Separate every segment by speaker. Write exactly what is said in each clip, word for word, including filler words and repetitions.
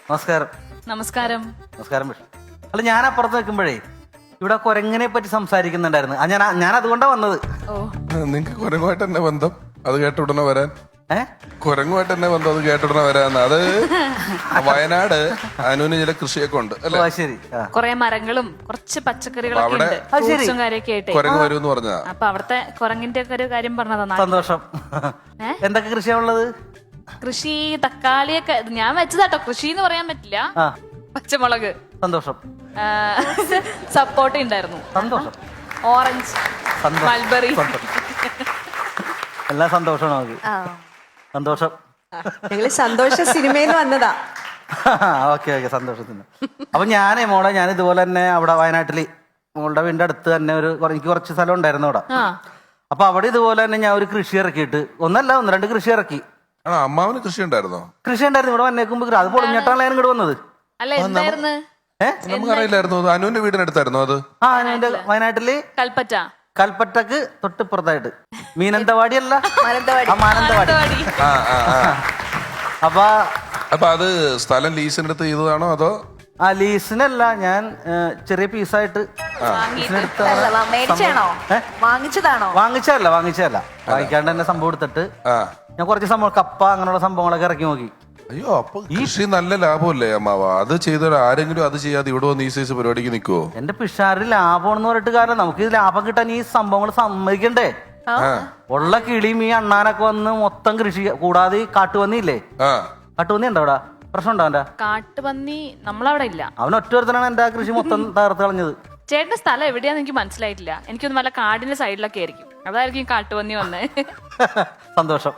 Speaker 1: നമസ്കാരം.
Speaker 2: നമസ്കാരം.
Speaker 1: നമസ്കാരം വിഷ്ണു. അല്ല, ഞാൻ അപ്പുറത്ത് നിൽക്കുമ്പോഴേ ഇവിടെ കുരങ്ങിനെ പറ്റി സംസാരിക്കുന്നുണ്ടായിരുന്നു. ആ, ഞാൻ ഞാൻ അതുകൊണ്ടാ വന്നത്.
Speaker 2: ഓ,
Speaker 3: നിങ്ങക്ക് കുരങ്ങുമായിട്ട് തന്നെ ബന്ധം? അത് കേട്ടുടനെ വരാൻ.
Speaker 1: ഏ
Speaker 3: കുരങ്ങുമായിട്ട് തന്നെ ബന്ധം, അത് കേട്ടുടനെ വരാന്ന്. അത് വയനാട് അനുവിന് ചില കൃഷിയൊക്കെ ഉണ്ട് അല്ലെ?
Speaker 1: ഓ, ശരി. ആ.
Speaker 2: കൊറേ മരങ്ങളും കുറച്ച് പച്ചക്കറികളൊക്കെ
Speaker 3: അവിടെ
Speaker 2: ഉണ്ട്, ഫ്രൂട്ട്സും കാര്യമൊക്കെ ആയിട്ട്.
Speaker 3: കുരങ്ങ് വരുമെന്ന് പറഞ്ഞാ.
Speaker 2: അപ്പൊ അവിടുത്തെ കുരങ്ങിന്റെ ഒക്കെ ഒരു കാര്യം പറഞ്ഞതാ.
Speaker 1: സന്തോഷം.
Speaker 2: ഏ?
Speaker 1: എന്തൊക്കെ കൃഷിയാ ഉള്ളത്?
Speaker 2: കൃഷി തക്കാളിയൊക്കെ ഞാൻ വെച്ചതാട്ടോ. കൃഷി എന്ന് പറയാൻ പറ്റില്ല.
Speaker 1: ആ,
Speaker 2: പച്ചമുളക്,
Speaker 1: സന്തോഷം.
Speaker 2: സപ്പോർട്ട ഉണ്ടായിരുന്നു,
Speaker 1: സന്തോഷം.
Speaker 2: ഓറഞ്ച്,
Speaker 1: സന്തോഷം.
Speaker 2: മൾബറി.
Speaker 1: സന്തോഷം. എല്ലാം സന്തോഷമാണ് നമുക്ക്. സന്തോഷം.
Speaker 4: ഞങ്ങള് സന്തോഷ സിനിമയിൽ വന്നതാ.
Speaker 1: ഓക്കെ ഓക്കെ, സന്തോഷത്തിന്. അപ്പൊ ഞാനേ മോളെ, ഞാൻ ഇതുപോലെ തന്നെ അവിടെ വയനാട്ടില് മോളുടെ വീടിന്റെ അടുത്ത് തന്നെ ഒരു കുറ- എനിക്ക് കുറച്ച് സ്ഥലം ഉണ്ടായിരുന്നു അവിടെ.
Speaker 2: ആ,
Speaker 1: അപ്പൊ അവിടെ ഇതുപോലെ തന്നെ ഞാൻ ഒരു കൃഷി ഇറക്കിയിട്ട്, ഒന്നല്ല ഒന്ന് രണ്ട് കൃഷി ഇറക്കി.
Speaker 3: ആണോ? അമ്മാവന് കൃഷി ഉണ്ടായിരുന്നോ?
Speaker 1: കൃഷി ഉണ്ടായിരുന്നു ഇവിടെ വന്നേക്കുമ്പോ. അത് പൊളിഞ്ഞിട്ടാണ് ഞാൻ ഇങ്ങോട്ട് വന്നത്.
Speaker 2: അല്ല എന്തായിരുന്നു?
Speaker 1: ഏഹ്
Speaker 3: നമുക്കറിയില്ലായിരുന്നു. അത് അനുവിന്റെ വീടിനടുത്തായിരുന്നു അത്.
Speaker 1: ആ, എന്റെ വയനാട്ടില്
Speaker 2: കൽപ്പറ്റ.
Speaker 1: കൽപ്പറ്റക്ക് തൊട്ടിപ്പുറത്തായിട്ട് മീനന്തവാടി അല്ല,
Speaker 4: മാനന്തവാടി.
Speaker 1: ആ, മാനന്തവാടി.
Speaker 2: മാനന്തവാടി.
Speaker 3: ആ ആ ആ
Speaker 1: അപ്പൊ
Speaker 3: അപ്പൊ അത് സ്ഥലം ലീസിനെടുത്ത് ചെയ്തതാണോ അതോ?
Speaker 1: ആ, ലീസിനല്ല, ഞാൻ ഏ, ചെറിയ പീസായിട്ട്
Speaker 2: വാങ്ങിയിട്ട്.
Speaker 4: അല്ല, മേടിച്ചാണോ
Speaker 1: ഏ?
Speaker 4: വാങ്ങിച്ചതാണോ?
Speaker 1: വാങ്ങിച്ചതല്ല വാങ്ങിച്ചതല്ല വാങ്ങിക്കാണ്ട് തന്നെ സംഭവം എടുത്തിട്ട്
Speaker 3: ആ
Speaker 1: ഞാൻ കുറച്ച് സംഭവം കപ്പ അങ്ങനെയുള്ള സംഭവങ്ങളൊക്കെ ഇറക്കി നോക്കി.
Speaker 3: അയ്യോ, അപ്പൊ കൃഷി നല്ല ലാഭമല്ലേ അമ്മാവ? അത് ചെയ്ത ആരെങ്കിലും അത് ചെയ്യാതെ ഇവിടെ വന്ന് ഈ സൈസ് പരിപാടിക്ക് നിൽക്കുവോ?
Speaker 1: എന്റെ പിഷാറിൽ ലാഭമാണെന്ന് പറഞ്ഞിട്ട് കാരണം നമുക്ക് ഇത് ലാഭം കിട്ടാൻ ഈ സംഭവങ്ങൾ സമ്മതിക്കണ്ടേ? ഉള്ള കിളിയും ഈ അണ്ണാനൊക്കെ വന്ന് മൊത്തം കൃഷി കൂടാതെ ഈ കാട്ടുപന്നിയില്ലേ,
Speaker 3: ആ
Speaker 1: കാട്ടുപന്നി ഉണ്ടോ അവിടെ? പ്രശ്നം ഉണ്ടോ അവന്റെ?
Speaker 2: കാട്ടുപന്നി നമ്മളവിടെ ഇല്ല.
Speaker 1: അവൻ ഒറ്റ ഒരുത്തനാണ് എന്റെ ആ കൃഷി മൊത്തം തകർത്ത് കളഞ്ഞത്.
Speaker 2: ചേട്ടന്റെ സ്ഥലം എവിടെയാന്ന് എനിക്ക് മനസ്സിലായിട്ടില്ല. എനിക്കൊന്ന് വല്ല കാടിന്റെ സൈഡിലൊക്കെ ആയിരിക്കും. അതായിരിക്കും കാട്ടുപന്നി വന്നേ.
Speaker 1: സന്തോഷം.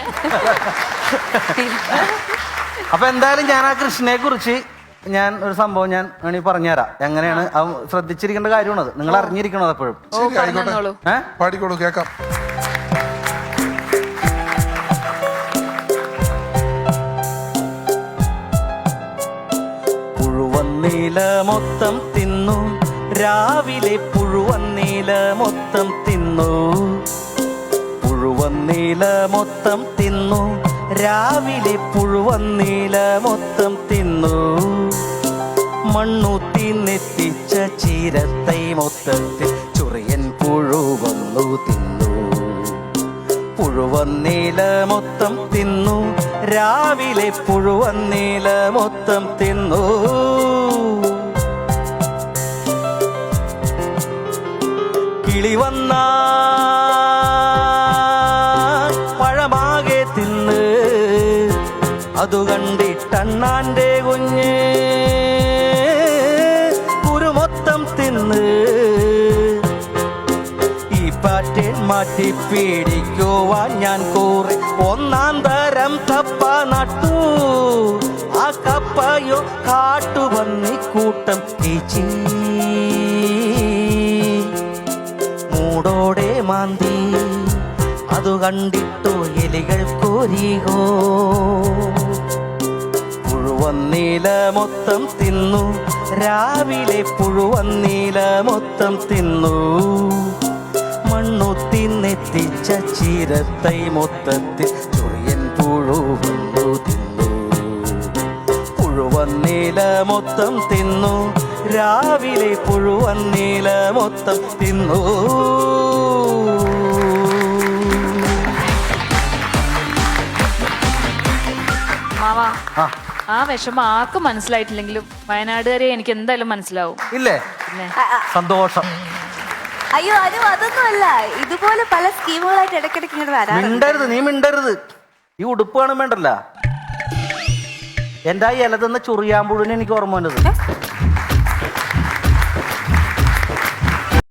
Speaker 1: അപ്പൊ എന്തായാലും ഞാൻ ആ കൃഷ്ണനെ കുറിച്ച് ഞാൻ ഒരു സംഭവം ഞാൻ വേണമെങ്കിൽ പറഞ്ഞുതരാം. എങ്ങനെയാണ് അത് ശ്രദ്ധിച്ചിരിക്കേണ്ട കാര്യമാണ്. അത് നിങ്ങൾ അറിഞ്ഞിരിക്കണത് എപ്പോഴും.
Speaker 2: ഓ,
Speaker 3: ശരി, ആയിക്കോട്ടെ.
Speaker 2: പറഞ്ഞോളൂ.
Speaker 1: ഏഹ്
Speaker 3: പാടിക്കോളൂ, കേക്കാം.
Speaker 1: പുഴുവന്നീല മൊത്തം തിന്നു രാവിലെ, പുഴുവന്നീല മൊത്തം തിന്നു, പുഴുവന്നീല മൊത്തം തിന്നു രാവിലെ, പുഴുവന്നീല മൊത്തം തിന്നു, മണ്ണൂത്തി നെത്തിച്ച ചീരത്തൈ മൊത്തത്തിൽ ചൊറിയൻ പുഴുവന്നു തിന്നു, പുഴുവന്നീല മൊത്തം തിന്നു രാവിലെ, പുഴുവന്നീല മൊത്തം തിന്നു. കിളി വന്ന പഴമാകെ തിന്ന്, അതു കണ്ടിട്ടണ്ണാന്റെ കുഞ്ഞ് കുരുമൊത്തം തിന്ന്, ഈ പാറ്റേൺ മാറ്റി പേടിക്കുവാൻ ഞാൻ കൂറി ഒന്നാം തരം കപ്പ നട്ടു, ആ കപ്പയോ കാട്ടുപന്നി കൂട്ടം കീച്ചി മൂടോടെ മാന്തി, അതു കണ്ടിട്ടു എലികൾ കോരികോ, പുഴുവന്നീല മൊത്തം തിന്നു രാവിലെ, പുഴുവന്നീല മൊത്തം തിന്നു, മണ്ണുത്തി നെത്തിച്ച ചീരത്തൈ മൊത്തത്തിൽ ചൊറിയൻ പുഴുവന്നു തിന്നു, പുഴുവന്നീല മൊത്തം തിന്നു രാവിലെ, പുഴുവന്നീല മൊത്തം തിന്നു.
Speaker 2: മാവാ,
Speaker 1: ആ,
Speaker 2: ആ വിഷമം ആർക്കും മനസ്സിലായിട്ടില്ലെങ്കിലും വയനാടുകാരെ എനിക്ക് എന്തായാലും മനസ്സിലാവും.
Speaker 1: ഇല്ലേ?
Speaker 2: പിന്നെ
Speaker 1: സന്തോഷം.
Speaker 4: അയ്യോ, അനു അതൊന്നുമല്ല. ഇതുപോലെ പല സ്കീമുകളായിട്ട് ഇടയ്ക്കിടയ്ക്ക് ഇങ്ങനെ വരാറുണ്ട്.
Speaker 1: മിണ്ടരുത്, നീ മിണ്ടരുത്. ഈ ഉടുപ്പ് വേണം വേണ്ടല്ല. എന്റെ ആ ഇല തന്ന ചൊറിയാമ്പുഴുവിന് എനിക്ക് ഓർമ്മ വന്നത്.